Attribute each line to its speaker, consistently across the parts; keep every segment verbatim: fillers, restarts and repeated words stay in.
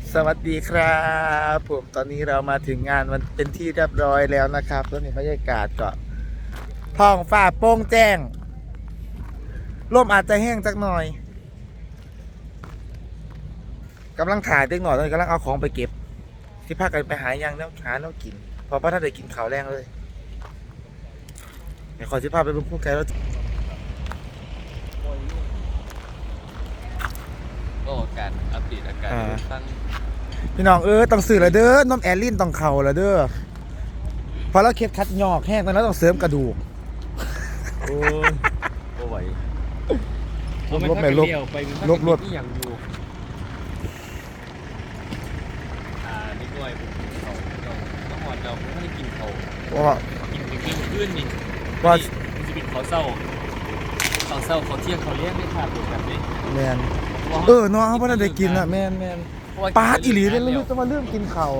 Speaker 1: สวัสดีครับผมตอนนี้เรามาถึงงานมันเป็นที่เรียบร้อยแล้วนะครับตอนนี้บรรยากาศก็ท้องฟ้าโปร่งแจ้งลมอาจจะแห้งสักหน่อยกำลังถ่ายเด็กหน่อยตอนนี้กำลังเอาของไปเก็บที่พากันไปหายังแล้วหาแล้วกินเพอพระท่านได้กินข้าวแรงเลยเดี๋ยวขอที่พาไปเป็นผู้ไกลแล้ว
Speaker 2: ก็การอัปเดตอาการตั้ง
Speaker 1: พี่น้องเออต้องซื้อละเด้อน้ำแอลลินต้องเข่าละเด้อพอเราเค็ดคัดยอกแห้งตอนนั้นต้องเสริมกระดูก
Speaker 2: โอ้ยโอ้ไหว
Speaker 1: ลบไปลบลบลบ
Speaker 2: ที่ยังอยู่อ่านี่ด้วยเขาเราต้องหอนเราไม่ได้กินเขา
Speaker 1: ว่า
Speaker 2: กินไปกินขึ้นนี่
Speaker 1: ว่า
Speaker 2: มันจะเป็นเขาเศร้าเขาเศร้าเขาเที่ยงเขาเลี้ยงไม่ขาดแบบนี้
Speaker 1: แมนเออน้องเขาไม่ได้กินอ่ะแมนแมนปาดอีหลีเลยแล้วลูกจะมาเริ่มกินเข่าว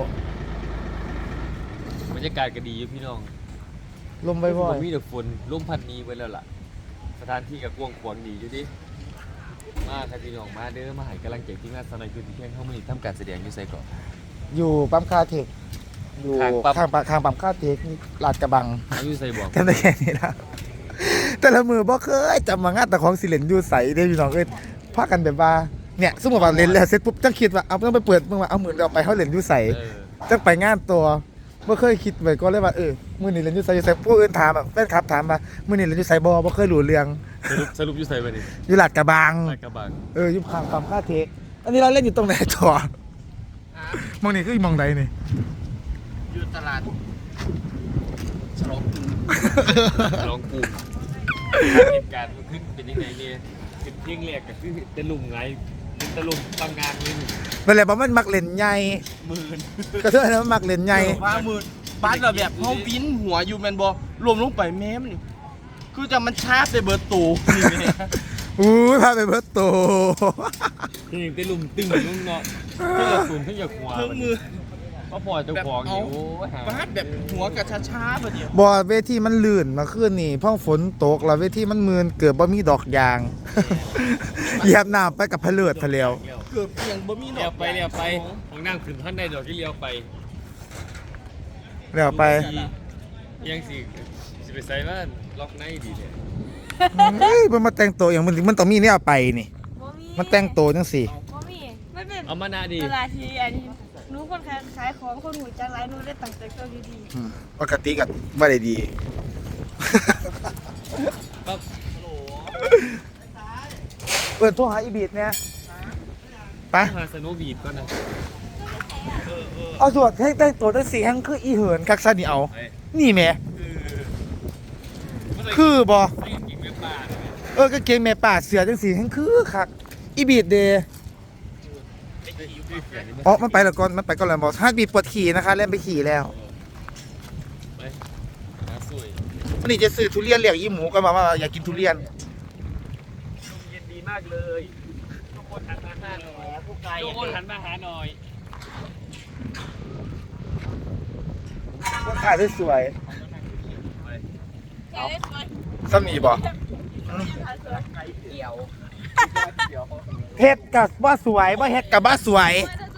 Speaker 2: บรรยากาศก็ดีอยู่พี่น้อง
Speaker 1: ลมบ่อย
Speaker 2: มีแต่ฝนลมพัดนี้ไว้แล้วล่ะสถานที่กับกวางขวางดีอยู่ดิมาครับพี่น้องมาเด้อมาให้กำลังใจที่งานสนายคือที่เที่ยงเข้ามาทำการแสดงอยู่ไซก่อน
Speaker 1: ๆอยู่ปั๊มคาเทคอยู่
Speaker 2: ข้างปั๊ม
Speaker 1: ข้างปั๊มข้างปั๊มคาเทคลาดกระบัง
Speaker 2: อยู่ไซบอก
Speaker 1: จำได้แค่นี้นะแต่ละมือบ่เคยจำมางานแต่ของสิเลนอยู่ใสได้พี่น้องเอ้ยพากันแบบว่าเนี่ยสมมติว่าเล่นแล้วเสร็จปุ๊บจังคิดว่าเอาต้องไปเปิดเมื่อว่าเอาหมื่นเราไปเขาเล่นอยู่ใส
Speaker 2: เออ
Speaker 1: จังไปงานตัวบ่เคยคิดไว้ก็เลยว่าเออมื้อนี้เล่นอยู่ไสอยู่ไสผู้อื่นถามแบบแฟนคลับถามมามื้อนี้เล่นอยู่ไสบ่บ่เคยรู้เรื่อง
Speaker 2: สรุปสรุปอยู่ไซไปดิ
Speaker 1: อยู่ลาดกระบัง
Speaker 2: ลาดกระบัง
Speaker 1: เอออยู่ข้างปั๊มคาเทคอันนี้เราเล่นอยู่ตรงไหนต่อมองนี่คือมองใดนี่
Speaker 2: อยู่ตลาดฉลองกรุงฉลองกรุงเหตุการณ์มันขึ้นเป็นยังไงเนี่ยเป็นเที่ยงแรกก็คือตะลุมไงเป็นตะลุมบางงานเลย
Speaker 1: นั่นแหละบ่มันมักเล่นใหญ่
Speaker 2: หมื่น
Speaker 1: ก็เท่านั้นมันมักเล่นใหญ่
Speaker 3: ว่ามือบ้านเราแบบเขาวินหัวอยู่แมนบอรวมลงไปแม่มันคือจะมันชาร์จไปเบิร์ตตูนี่แม่
Speaker 1: อุ้ยพาไปเบิดโต
Speaker 2: ที่ตะลุมตึงลุงเนาะที่อยากตุนที่อยากหัว
Speaker 3: เครื่องมือ
Speaker 2: ก็พอเจ้าของอยู่โอ้ยหา
Speaker 3: บ้านแบบหัวกับช้าช้าๆประเดี๋ยว
Speaker 1: บ่เวทีมันลื่นมาคืนนี่พ่อฝนตกแล้วเวทีมันมืนเกือบบ่มีดอกยาง เหยียบน้ำไปกับพะเลิดทะเลว
Speaker 3: เกือบเพียงบ่มี
Speaker 2: เลี้ยวไปเลี้ยวไปของนั่งขึ้นท่านใดดอกที่เลี้ยวไป
Speaker 1: แล้วไป
Speaker 2: ยังสิสิไปใส่บ้านล็อกในดีเลย
Speaker 1: เฮ้ยมันมาแต่งตัวอย่างมันมันต้องมีเนี่ยไปนี่
Speaker 4: บ่มี
Speaker 1: มันแต่งตัวจังสิ
Speaker 4: บ่มีมันเป็น
Speaker 2: เอามานาดี
Speaker 4: เวลาที่อันนี้หนูคนขายขายของคนหูจังไรหนูได้ตั้งแต่ตัวดี
Speaker 1: อืมปกติก็บ่ได้ดี
Speaker 2: ปั๊บ
Speaker 1: เปิดโทรหาอีบีดเนี่ยไป
Speaker 2: มาสโนว์บีดก่อนนะ
Speaker 1: เอาส่วนให้แต่งตัวจังสิแฮงคืออีเหินคักซะนี่เอา นี่แหมคือบ่
Speaker 2: ไม่กินเนื้อปลาเลย
Speaker 1: เออกางเกงแม่ป่าเสือจังสีแห่งคือคักอีบีดเดย์อ๋อมันไปแล้วก่อนมันไปก่อนแล้วบอกฮาร์ดบีดปวดขี่นะคะเล่นไปขี่แล้ว
Speaker 2: ไปหาสวย
Speaker 1: วันนี้จะซื้อทุเรียนเลี้ยงอีหมูก็มาว่าอยากกินทุเรียน
Speaker 2: เย็นดีมากเลยทุกคนหันมาหาหน่อยทุกคนหันมาหาหน่อย
Speaker 1: ก็ขายได้สวย
Speaker 4: ๆเอา
Speaker 1: สมีบ่
Speaker 4: เกี่ยว
Speaker 1: เฮ็ดกับว่าสวยว่าเฮ็ดกับว่าสวย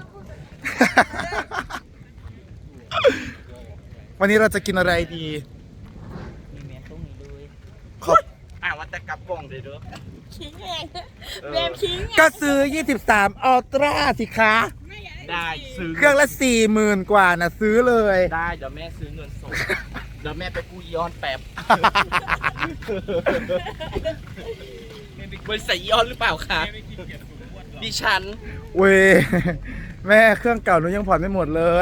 Speaker 1: วันนี้เราจะกินอะไรดี
Speaker 3: มีแม่ตรงนี้ด้วย
Speaker 1: ขอบ
Speaker 3: อ่าว่าแต่กลับบ้องเลยเด้อ
Speaker 4: คิงเองแบบคิง
Speaker 1: ก็ซื้อยี่สิบสามอัลตร้าสิคะ
Speaker 3: ได้ซื้อ
Speaker 1: เครื่องละสี่หมื่นกว่านะซื้อเลย
Speaker 3: ได้เดี๋ยวแม่ซื้อเงินสดเดี๋ยวแม่ไปกู้ย้อนแป๊บ บริษัทย้อนหรือเปล่าคะดิฉัน
Speaker 1: เว้ยแม่เครื่องเก่าหนูยังผ่อนไม่หมดเลย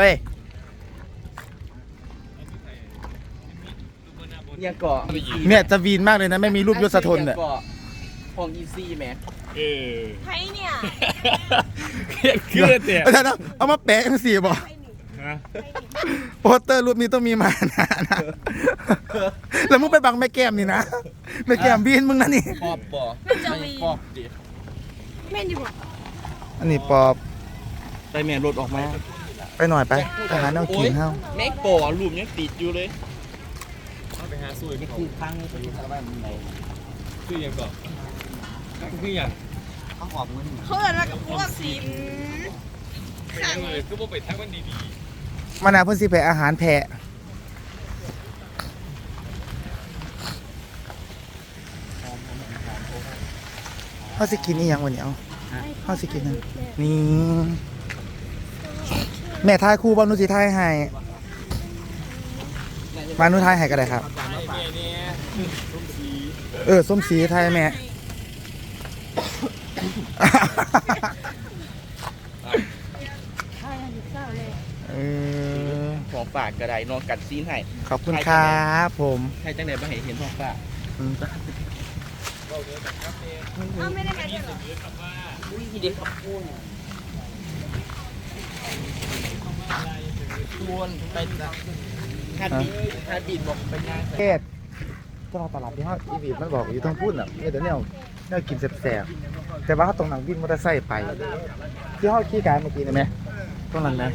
Speaker 3: ยังเกาะ
Speaker 1: เนี่ยจะวีนมากเลยนะไม่มีรูปยศทนเนี่ย
Speaker 3: เกาะของอีซี่แม่
Speaker 2: เออ
Speaker 4: ไทยเนี่ย
Speaker 2: เครียดเครียดเนี่ย
Speaker 1: อาจารย์เอามาแปะกันสิบอก
Speaker 4: ไทยนี่
Speaker 2: ฮะ
Speaker 4: ไทยนี่
Speaker 1: โปสเตอร์รูปนี้ต้องมีมานะนะแล้วมึงไปบังแม่แก้มนี่นะแม่แก้มวีนมึงนะนี่
Speaker 3: ปอบบ่
Speaker 4: มันจะวี
Speaker 3: ปอบดิ
Speaker 4: แม่นอยู่บ่
Speaker 1: อันนี้ปอบ
Speaker 3: ไปแม่รถออกมา
Speaker 1: ไปหน่อยไปไปหาแนวกินเฮ้า
Speaker 3: แม่งป่อรูปยังติดอยู่เลย
Speaker 2: เอาไปหาสวยไม่
Speaker 3: คื
Speaker 2: ถู
Speaker 3: อก พังไปอยู่ทางบ้านมึงไหน
Speaker 2: คืออย่างก่อนคืออย่าง
Speaker 3: เขาหอบเงิน
Speaker 4: เขาเอิ้นว่ากับพวกสินข
Speaker 2: ยังเลยคือบ่ไปทักมันดี
Speaker 1: มานาเพิ่นสิไปอาหารแพะเขาสิกินอีหยังวันนี้เอาเขาสิกินหยังนี่แม่ทายครูบอลนุสิทายให้มานุทายให้ก็ได้ครับ
Speaker 2: ๆไอ้แม่เนี่ยส้มสี
Speaker 1: เออส้มสีไทยแม่
Speaker 4: ใช่ค่ะเศร้าเลย
Speaker 1: เออ
Speaker 3: ของฝากกระไดนอนกัดซีนให้
Speaker 1: ขอบคุณครับผม
Speaker 3: ให้จังไหนบ้างเห็นของฝาก
Speaker 1: อืม
Speaker 4: อ้าวไม่ได้มาด้วยเหรอ
Speaker 3: อุ้ยเด็กขับพูนชวนไปฮัดบีฮัดบีบอกไปงาน
Speaker 1: เทศเจ้าตลาดที่ห้างอีวีมันบอกอยู่ต้องพูดอ่ะเนี่ยเดี๋ยวเนี่ยเนี่ยกินแสบๆแต่ว่าเขาตรงหนังบินมอเตอร์ไซค์ไป ที่ห้องขี้กายเมื่อกี้นะแม่ตรงนั้นนะ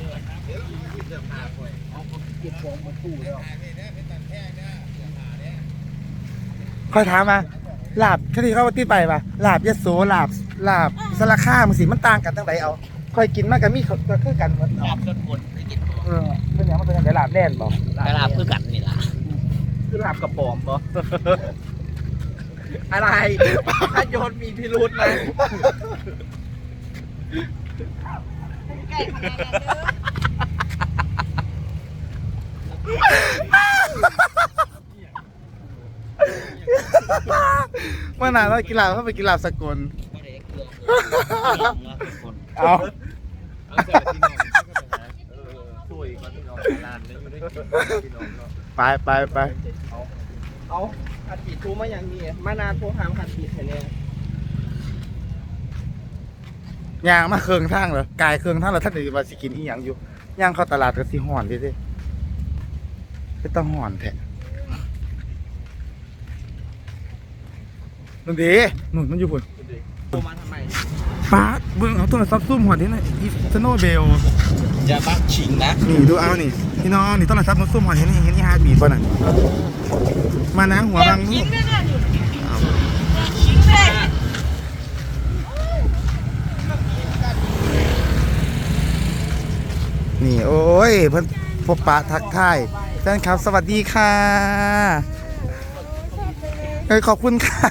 Speaker 1: คอยถามมาลาบคดีเขาว่าที่ไปปะลาบยะโสลาบลาบสารคามสิมันต่างกันตั้งไหนเอาคอยกินมากกับมีเขาก็คือกันหมด
Speaker 3: ลาบจนหมดไม่กิน
Speaker 1: เออเป็นอย่างมันเป็นอย่างไรลาบแน่นบอก
Speaker 3: ลาบคือกันนี่ล่ะคือลาบกระป๋อมปะอะไรถ้าโยนมีพิรุธนะ
Speaker 4: ไก่ขนาดนั้นเด้อ
Speaker 1: เมื่อนานเรากินลาบเขาไปกินลาบสกลเอา
Speaker 2: เอาเสร็จที่นอนก็ไปหาเออช่วยก่อนที่นอนร้านได้อยู่ได้กินพี่น้องเนาะ
Speaker 1: ไปไปไป
Speaker 3: เอาขัดปีดทูมาอย่างนี้มานานโทรหามขัดปีดให้แน่
Speaker 1: ยางมาเครื่องทางเหรอกายเครื่องทางแล้วท่านอื่นมาสิกินอีหยังอยู่ย่างเข้าตลาดก็สิห่อนดิเด้เป็นตะห่อนแท้นุ่นดีนุ่นมันอยู่พุ่น
Speaker 3: โทรมาทำไม
Speaker 1: ป้าเบิ่งเอาโทรศัพท์ซุ่มหัวที่ไหนอีสโนเบล
Speaker 3: อย่าบักชิงนะ
Speaker 1: นี่ดูเอานี่พี่น้องนี่โทรศัพท์มันซุ่มหัวที่นี่เห็นอีฮาร์ดบีทป่ะน่ะมานั่งหัวบัง
Speaker 4: ชิ้นเลยนะนี่ชิ้นเลย
Speaker 1: นี่โอ้ยเพิ่นพบปะทักทายแฟนคลับสวัสดีค่ะเอ้ยขอบคุณค่ะ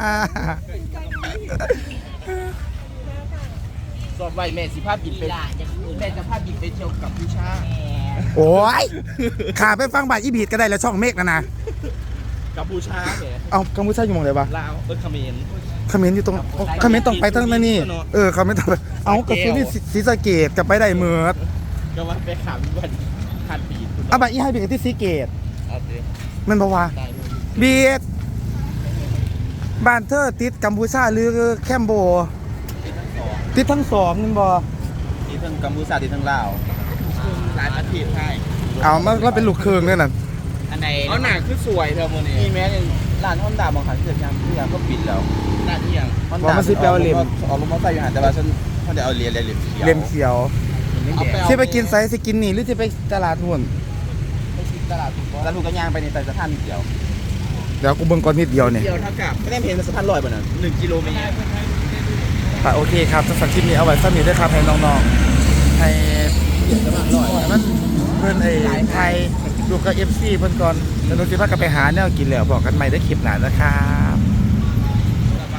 Speaker 3: สอบไว้แม่สิภาพบินไปแม่จะภาพบินไปเที่ยวกับผู้ชา
Speaker 1: โอ้ยขาไปฟังบาทอีบีดก็ได้แล้วช่องเมฆนะนะ
Speaker 3: กับผู้ชาแหม
Speaker 1: เอากัมพูชาอยู่หมองไหนวะ
Speaker 3: ลาวเออเขมร
Speaker 1: เขมรอยู่ตรงเขมรต้องไปตั้งนั่นนี่เออเขมรต้องไปเอากระสุนนี่ศรีสะเกดกลับไปได้เมือด
Speaker 3: ก็ว่าไปขามวันขัดปีด
Speaker 1: เอาบาทอีให้บีดที่ศรีเกด
Speaker 3: เอาเด้
Speaker 1: มันบอกว่า
Speaker 3: ได้
Speaker 1: บีดบ้านเธอติดกัมพูชาหรือแคมโบติดทั้งสองมันบอ
Speaker 3: ที่ทั้งกัมพูชาที่ทั้งลาวหลายประเทศให้
Speaker 1: เอามาแล้วเป็นลูกเคืองเนี่ยน่ะ
Speaker 3: อันไหนเอาหนักคือสวยเธอโมนี่มีแม้ในร้านฮอนด้าบางครั้งเกิดยามที่ยามก็ปิดแล้วร้านที่ยังเอาลงมาใส่อยู่หันแต่ว่าฉันเขาจะเอาเหรียญเหรียญ
Speaker 1: เลียมเขียวที่ไปกินไซส์สิกินนี่หรือที่ไปตลาดหุ่น
Speaker 3: ไปกินตลาดถูกตลาดถูกก็ย่างไปในใต้สะพานนิดเดียว
Speaker 1: เดี๋ยวกูเบิ่งก่อนนิดเดียวเนี่ย
Speaker 3: เดียวเท่ากับไม่ได้เห็นสะพานลอยป่ะน่ะหนึ่งกิโลเมตร
Speaker 1: แต่โอเคครับสำหรับคลิปนี้เอาไว้สักนิดด้วยครับให้น้องๆให้มันเพื่อนไอ้ไทยดูกับเอฟซีเพื่อนก่อนแล้วนุ้นสิพากันไปหาแนวกินแล้วบอกกันใหม่ได้คลิปหน้านะครับ